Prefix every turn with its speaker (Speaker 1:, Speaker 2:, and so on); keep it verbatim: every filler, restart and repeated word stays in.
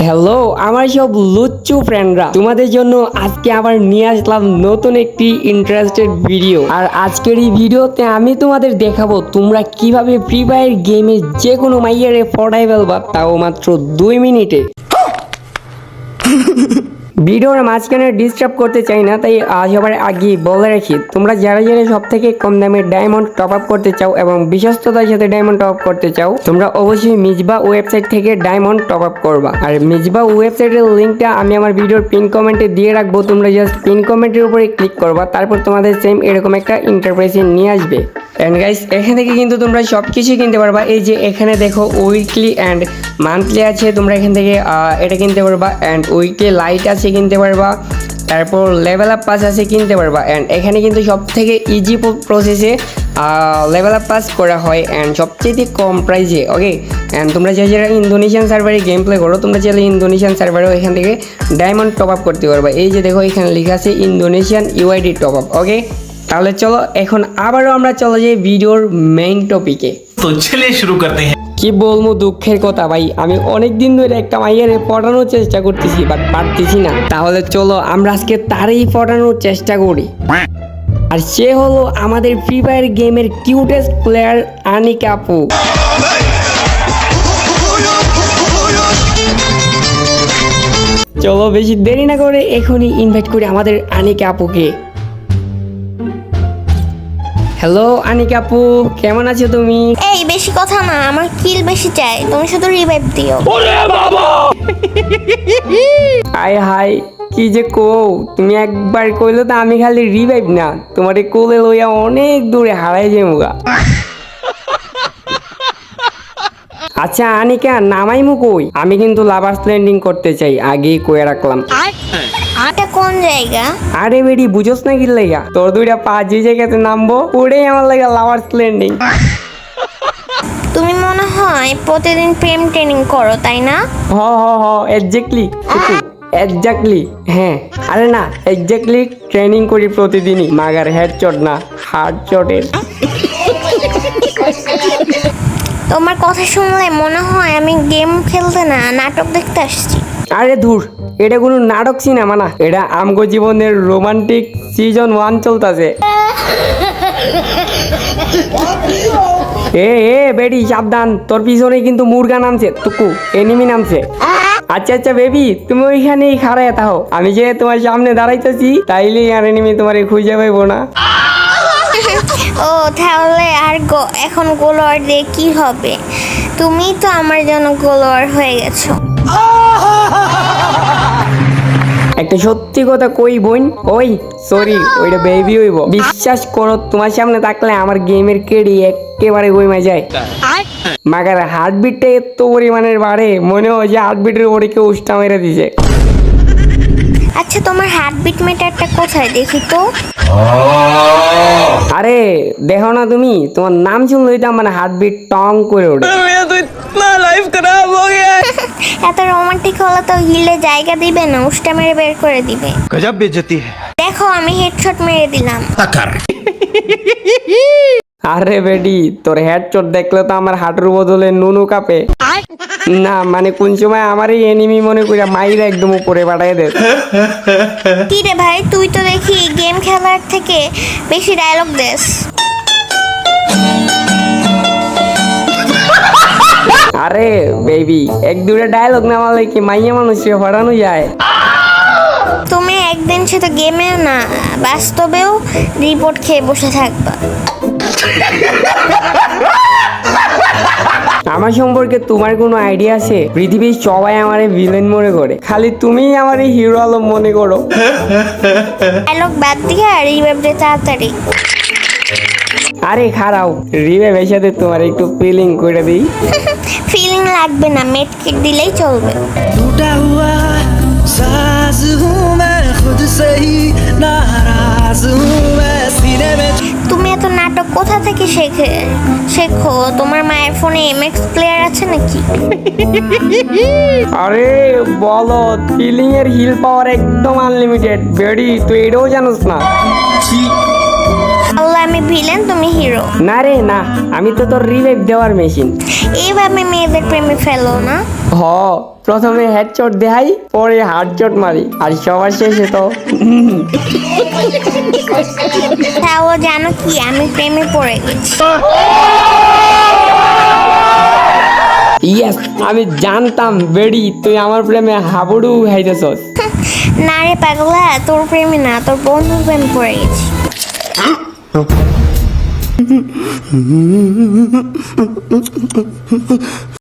Speaker 1: Hello আমার সব লুচ্চু ফ্রেন্ডরা, তোমাদের জন্য আজকে আবার নিয়ে আসলাম নতুন একটি ইন্টারেস্টেড ভিডিও। আর আজকের এই ভিডিওতে আমি তোমাদের দেখাবো তোমরা কিভাবে ফ্রি ফায়ার গেমে যে কোনো মাইয়ারে পড়াই ফেলবা, তাও মাত্র দুই মিনিটে। ভিডিওর মাঝখানে ডিস্টার্ব করতে চাই না, তাই সবার আগে বলে রাখি, তোমরা যারা যারা সব থেকে কম দামে ডায়মন্ড টপ আপ করতে চাও এবং বিশ্বস্ততার সাথে ডায়মন্ড টপ আপ করতে চাও, তোমরা অবশ্যই মিজবা ওয়েবসাইট থেকে ডায়মন্ড টপ আপ করবা। আর মিজবা ওয়েবসাইটের লিঙ্কটা আমি আমার ভিডিওর পিন কমেন্টে দিয়ে রাখবো, তোমরা জাস্ট পিন কমেন্টের উপরে ক্লিক করবা, তারপর তোমাদের সেম এরকম একটা ইন্টারপ্রাইজে নিয়ে আসবে। এন্ড গাইস, এখান থেকে কিন্তু তোমরা সব কিছুই কিনতে পারবা। এই যে এখানে দেখো উইকলি অ্যান্ড মান্থলি আছে, তোমরা এখান থেকে এটা কিনতে পারবা। অ্যান্ড উইকলি লাইট আছে কিনতে পারবা, তারপর লেভেল আপ পাস আছে কিনতে পারবা। অ্যান্ড এখানে কিন্তু সব থেকে ইজি প্রসেসে লেভেল আপ পাস করা হয় অ্যান্ড সবচেয়ে কম প্রাইসে। ওকে, অ্যান্ড তোমরা যে যারা ইন্দোনেশিয়ান সার্ভারে গেম প্লে করো, তোমরা চাইলে ইন্দোনেশিয়ান সার্ভারেও এখান থেকে ডায়মন্ড টপ আপ করতে পারবা। এই যে দেখো এখানে লেখা আছে Indonesian UID top up. Okay, তাহলে চলো এখন আবারও আমরা চলে যাই ভিডিওর মেইন টপিকে।
Speaker 2: তো চলিয়ে শুরু করতে হ্যাঁ।
Speaker 1: কি বলবো, দুঃখের কথা ভাই, আমি অনেক দিন ধরে একটা মাইয়ারে পটানোর চেষ্টা করতেছি, বাট পারতেছি না। তাহলে চলো আমরা আজকে তারই পটানোর চেষ্টা করি। আর সে হলো আমাদের ফ্রি ফায়ার গেমের কিউটেস্ট প্লেয়ার আনিকা আপু। চলো বেশি দেরি না করে এখনই ইনভাইট করি আমাদের আনিকা আপুকে। হ্যালো আনিকা আপু, কেমন আছো তুমি?
Speaker 3: এই বেশি কথা না, আমার কিল বেশি চাই, তুমি শুধু রিভাইভ দিও।
Speaker 1: ওরে বাবা! হাই হাই, কি যে কও, তুমি একবার কইলো তো আমি খালি রিভাইভ না, তোমারে কোলে লইয়া অনেক দূরে হারাই যাইমুগা। আচ্ছা আনিকা, নামাইমু কই? আমি কিন্তু লাভার্স ল্যান্ডিং করতে চাই, আগেই কয়ে রাখলাম।
Speaker 3: এটা কোন জায়গা?
Speaker 1: আরে বেডি, বুঝোস না কি লাগা? তোর দুইটা পা যে জায়গাতে নামবো ওটাই আমার লাগা লাভার্স ল্যান্ডিং।
Speaker 3: তুমি মনে হয় প্রতিদিন প্রেম ট্রেনিং করো, তাই না?
Speaker 1: হ হ হ এক্স্যাক্টলি এক্স্যাক্টলি হ্যাঁ। আরে না, এক্স্যাক্টলি ট্রেনিং করি প্রতিদিনই, মাগার হেড চট না, হার্ড চটের।
Speaker 3: তোমার কথা শুনলে মনে হয় আমি গেম খেলতে না নাটক দেখতে আসছি।
Speaker 1: আরে ধুর, এটা কোনো নাটক সিনেমা না, এটা আমগো জীবনের রোমান্টিক সিজন ওয়ান চলতেছে। এ এ বেডি সাবধান, তোর পিছনে কিন্তু মুরগা নামছে, টুকু এনিমি নামছে। আচ্ছা আচ্ছা বেবি, তুমি ওইখানেই খাড়ায় থাও, আমি যে তোমার সামনে দাঁড়াইতেছি, তাইলেই আর এনিমি তোমার খুঁজে পাইবো না।
Speaker 3: ও তাহলে আর গো- এখন গোলোয়ার দিয়ে কি হবে? তুমি তো আমার জন্য গোলোয়ার হয়ে গেছো।
Speaker 1: একটা সত্যি কথা কই বোন, ওই সরি ওইটা বেবি হইব। বিশ্বাস করো, তোমার সামনে থাকলে আমার গেমের কেডি একেবারে কইমা যায়। মাগার হার্টবিটটা এত পরিমাণের বাড়ে, মনে হয় যে হার্টবিটের উপরে কেউ উষ্টা মেরে দিছে।
Speaker 3: আচ্ছা তোমার হার্টবিট মিটারটা কোথায় দেখি তো?
Speaker 1: আরে দেখো না তুমি, তোমার নাম শুনলেই তো মানে হার্টবিট টং করে ওঠে।
Speaker 3: এত রোমান্টিক হলে তো হিলে জায়গা দিবে না, উষ্টা মেরে বের করে দিবে।
Speaker 2: गजब बेइज्जती है।
Speaker 3: দেখো আমি হেডশট মেরে দিলাম।
Speaker 1: আরে বেডি, তোর হেড চোট দেখলে তো আমার হাঁটুর বদলে নুনু কাঁপে। না মানে কোন সময় আমারই এনিমি মনে করি মাইরা একদম উপরে পাঠাই দে।
Speaker 3: কি রে ভাই, তুই তো দেখি গেম খেলার থেকে বেশি ডায়লগ দেস।
Speaker 1: আরে বেবি, এক দুটা ডায়লগ না মারলে কি মাইয়া মানুষকে হরানো যায়?
Speaker 3: তুমি একদিন সে তো গেমেও না বাস্তবেও রিপোর্ট খেয়ে বসে থাকবা।
Speaker 1: আমার সম্পর্কে তোমার কোনো আইডিয়া আছে? পৃথিবীর সবাই আমারে ভিলেন মনে করে, খালি তুমিই আমারে হিরো আলম মনে করো।
Speaker 3: ডায়লগ বাদ দিয়ে আর রিভাইভ দে তাড়াতাড়ি।
Speaker 1: আরে খারাও, রিভাইভের সাথে তোমার একটু ফিলিং করে দিই।
Speaker 3: ফিলিং লাগবে না, মেড কিট দিলেই চলবে।
Speaker 4: टूटा हुआ साज हूँ मैं खुद से ही नाराज हूँ मैं सीने में।
Speaker 3: তুমি এত নাটক কোথা থেকে শেখে শেখো? তোমার মায়ের ফোনে এমএক্স প্লেয়ার আছে নাকি?
Speaker 1: আরে বলো, ফিলিং এর হিল পাওয়ার একদম আনলিমিটেড। বেডি তুই এটাও জানোস না?
Speaker 3: আল্লাহ আমি ভিলেন, তুমি হিরো।
Speaker 1: না রে না, আমি তো তোর রিভাইভ দেওয়ার মেশিন।
Speaker 3: এইভাবে মেয়েদের প্রেমে ফেলো না।
Speaker 1: হ, প্রথমে হেডশট দেখাই, পরে হার্ডশট মারি, আর সবার শেষে তো
Speaker 3: তাও জানো কি, আমি প্রেমে পড়ে গেছি।
Speaker 1: ইয়েস, আমি জানতাম বেডি তুই আমার প্রেমে হাবুডু খাইতেছস।
Speaker 3: না রে পাগলা, তোর প্রেমে না, তোর বন্ধুর প্রেমে পড়ে গেছি।